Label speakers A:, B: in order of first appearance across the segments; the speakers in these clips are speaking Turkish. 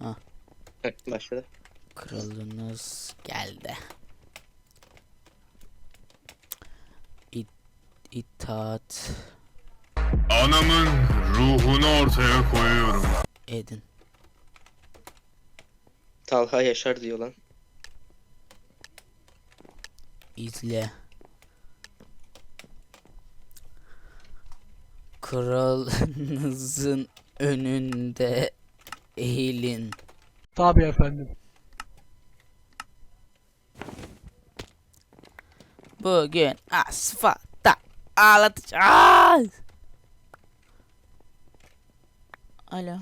A: Ha.
B: Başladı.
A: Kralınız geldi. İtaat
C: Anamın ruhunu ortaya koyuyorum.
A: edin.
B: Talha Yaşar diyor lan.
A: İzle. Kralınızın önünde eğilin.
D: Tabii efendim.
A: Bugün asfaltta ağlatacağız. Alo.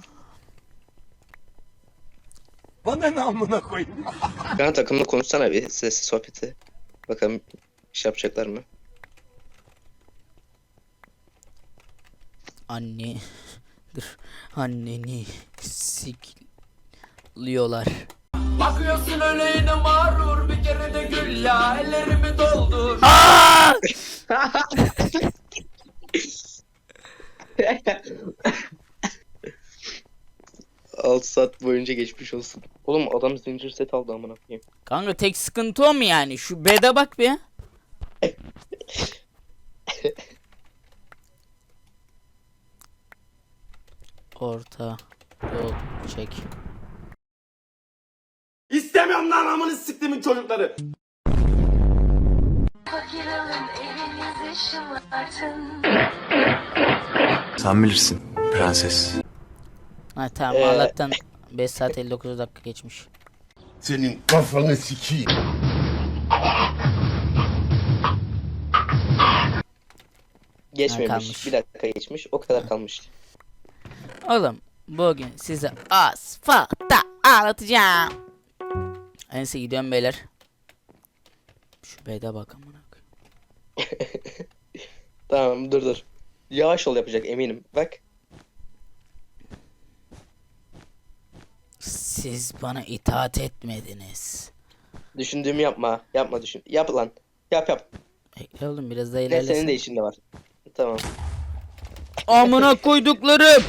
E: Bana ne amına koyayım?
B: Ben takımla konuşsana bir sesli sohbeti. Bakalım iş yapacaklar mı?
A: Anne. Dur. Anneni sikliyorlar.
F: Bakıyorsun öyle yine mağrur, bir kere de gül ya, ellerimi doldur.
A: Aa!
B: 6 saat boyunca geçmiş olsun. Oğlum adam zincir set aldı amına koyayım.
A: Kanka tek sıkıntı o mu yani? Şu bede bak bir. Orta yol çek.
E: İstemiyorum lan amını siktimin çocukları.
G: Fakir alın evinizi şımartın.
H: Sen bilirsin prenses.
A: Ha tamam Allah'tan 5 saat 59 dakika geçmiş.
E: Senin kafanı sikeyim.
B: Geçmemiş.
A: kalmış.
B: Bir dakika geçmiş. O kadar kalmış.
A: Oğlum bugün size asfaltta ağlatacağım. Neyse gidiyorum beyler. Şu bede bak amına koyayım.
B: Tamam dur. Yavaş ol yapacak eminim. Bak.
A: Siz bana itaat etmediniz.
B: Düşündüğümü yapma. Yapma düşün. Yap lan. Yap.
A: Bekle oğlum biraz daha
B: Ne senin de
A: ilerlesin.
B: işinde var. Tamam.
A: Amına koyduklarım.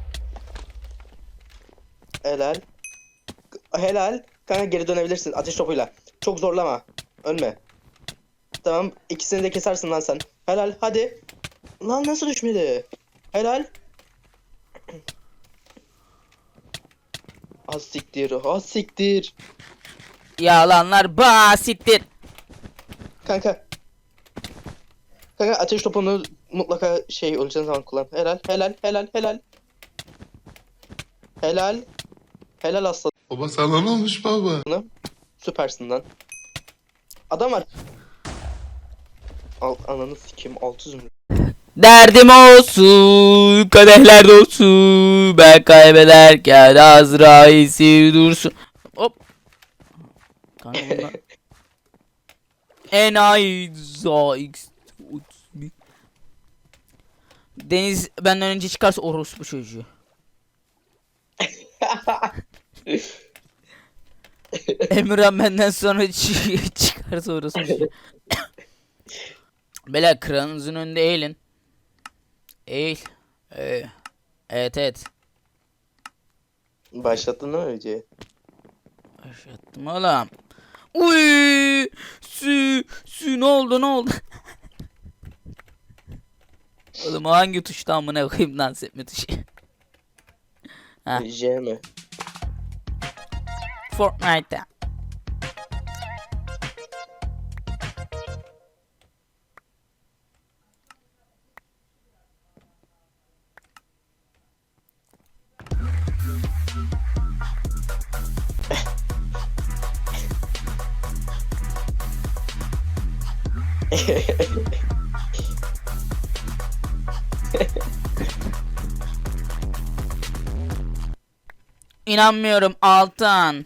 B: Helal. Helal. Kanka geri dönebilirsin ateş topuyla. Çok zorlama. Ölme. Tamam. İkisini de kesersin lan sen. Helal. Hadi. Lan nasıl düşmedi? Helal. Az siktir. Az siktir.
A: Yalanlar basittir.
B: Kanka. Kanka ateş topunu mutlaka şey öleceğin zaman kullan. Helal. Helal aslanım.
C: Baba sana ne olmuş baba?
B: Süpersin lan. Adam var. Ananı sikeyim 600 mü?
A: Derdim olsun, kadehler dolsun. Ben kaybederken Azrail dursun. Hop. Kanka bunlar... Enayi X. Deniz benden önce çıkarsa orospu çocuğu. Emirhan benden sonra çıkarsa orospu çocuğu. Beyler kralınızın önünde eğilin. Eğil. Evet.
B: Başlattın değil mi videoyu?
A: Başlattım oğlum. Uy! Ne oldu? Oğlum o hangi tuşta amına koyayım dans etme tuşu? Ha.
B: J mi?
A: Fortnite'da. İnanmıyorum Altan.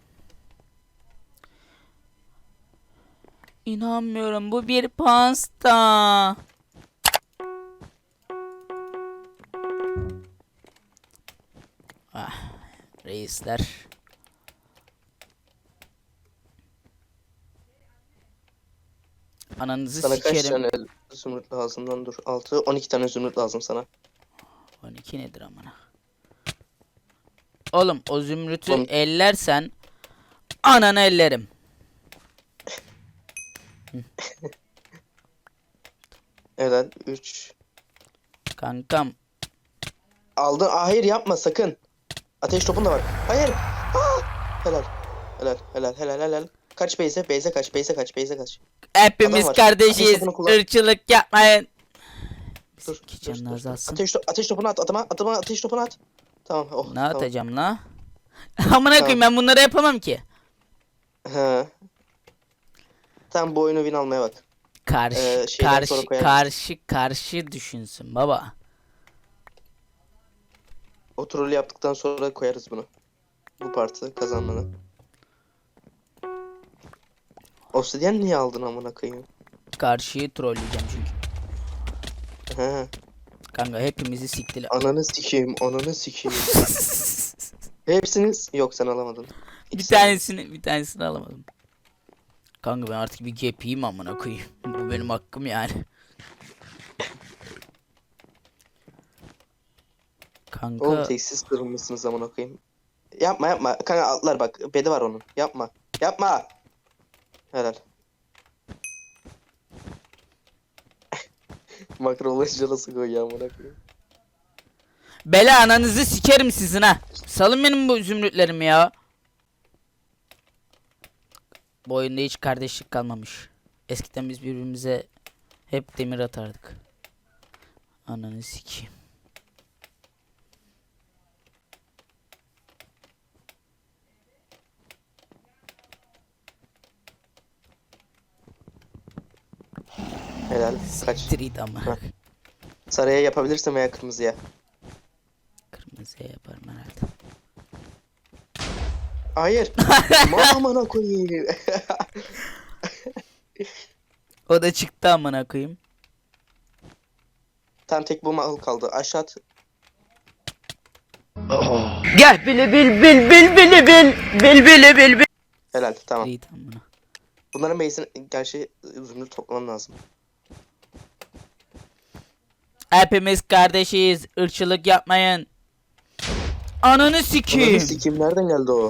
A: İnanmıyorum bu bir pasta. Reisler. Ananızı
B: Sana kaç
A: sikerim.
B: tane zümrüt lazım lan dur. 6 12 tane zümrüt lazım sana.
A: 12 nedir amına? Oğlum o zümrütü
B: Oğlum.
A: ellersen ananı ellerim.
B: Helal. 3.
A: Kankam.
B: Aldın. Hayır yapma sakın. Ateş topun da var. Hayır. Helal. Helal. Kaç base'e? Base'e kaç. Base'e kaç.
A: Hepimiz
B: Adam var.
A: kardeşiz.
B: Ateş topunu kullan.
A: Irkçılık yapmayın.
B: Dur.
A: Bizimki canını azalsın.
B: Ateş topunu at. Atama ateş topunu at. Tamam. Oh,
A: Ne
B: tamam.
A: atacağım la? Amına koyayım, ben bunları yapamam ki.
B: He. Tamam bu oyunu win almaya bak. Şeyden sonra koyarız.
A: Karşı düşünsün baba.
B: O trolü yaptıktan sonra koyarız bunu. Bu partı kazanmanı. Obsidian niye aldın amına koyayım?
A: Karşıyı trolleyeceğim çünkü.
B: He.
A: Kanka hepimizi siktiler.
B: Ananı sikeyim. Hepsiniz yok sen alamadın.
A: Bir tanesini alamadım. Kanka ben artık bir gepiyim amına koyayım. Bu benim hakkım yani. Kanka
B: Oğlum tek siz kırılmışsınız amına koyayım. Yapma. Kanka atlar bak. Bedi var onun. Yapma. Helal. Makro olunca nasıl koyuyor amına koyayım.
A: bela ananızı sikerim sizin ha. Salın benim bu zümrütlerimi ya. Bu oyunda hiç kardeşlik kalmamış. Eskiden biz birbirimize hep demir atardık. Ananı sikeyim.
B: Helal. Kaç.
A: Street ama.
B: Sarıya yapabilirsin veya kırmızıya.
A: Kırmızıya yaparım herhalde.
B: Hayır. Amına koyayım.
A: O da çıktı amına koyayım.
B: Tam tek bu mal kaldı. Aşağı at.
I: Gel bili bil.
B: Helal tamam.
A: Street amına.
B: Bunların base'ini gerçi zümrüt toplamam lazım.
A: Hepimiz kardeşiz. Irkçılık yapmayın. Ananı sikeyim.
B: Ananı sikeyim nereden geldi o?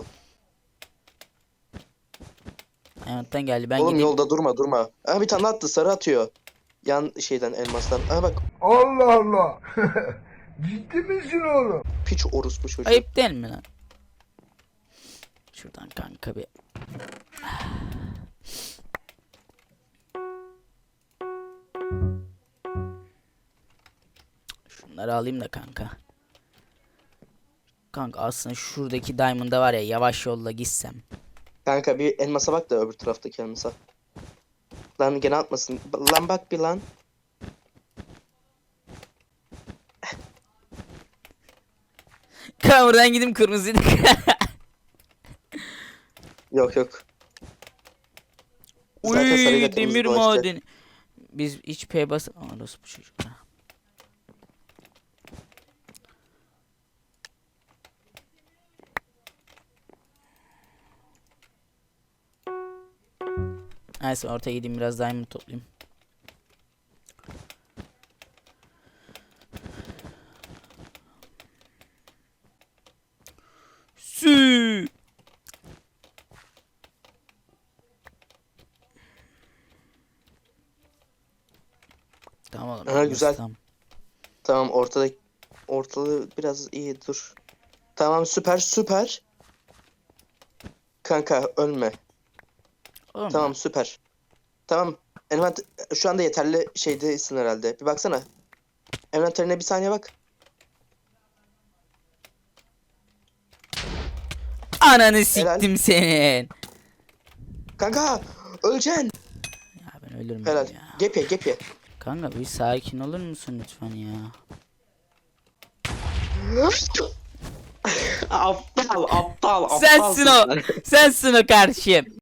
A: Hayattan geldi. Ben
B: Oğlum
A: gideyim.
B: yolda durma. Aha bir tane attı sarı atıyor. Yan şeyden elmastan. Aha bak
E: Allah Allah. Ciddi misin oğlum?
B: piç orospu çocuğu.
A: Ayıp değil mi lan? Şuradan kanka bir. Şunları alayım da kanka. Kanka aslında şuradaki diamond'a var ya, yavaş yolla gitsem.
B: Kanka bir elmasa bak da öbür taraftaki elmasa. Lan gene atmasın. Lan bak bir lan.
A: Kanka buradan gideyim kırmızıydık.
B: Yok. Zaten sarıyla
A: Uy,
B: kırmızı
A: demir
B: dolaşacak.
A: madeni. Biz hiç P bas... Aa, nasıl bu çocuk ya? Neyse ortaya gideyim biraz diamond toplayayım. Sü. Tamam oğlum.
B: Aha, güzel.
A: Tamam.
B: Tamam ortalığı biraz iyi dur. Tamam süper. Kanka ölme.
A: Oğlum,
B: Tamam süper. Tamam. Şu anda yeterli şeydesin herhalde. Bir baksana. Envanterine bir saniye bak.
A: ananı siktim senin.
B: Kanka öleceksin.
A: Ya ben ölürüm
B: Helal.
A: ya.
B: Gep ye.
A: Kanka bir sakin olur musun lütfen ya?
B: Aptal.
A: Sensin o karşıyım.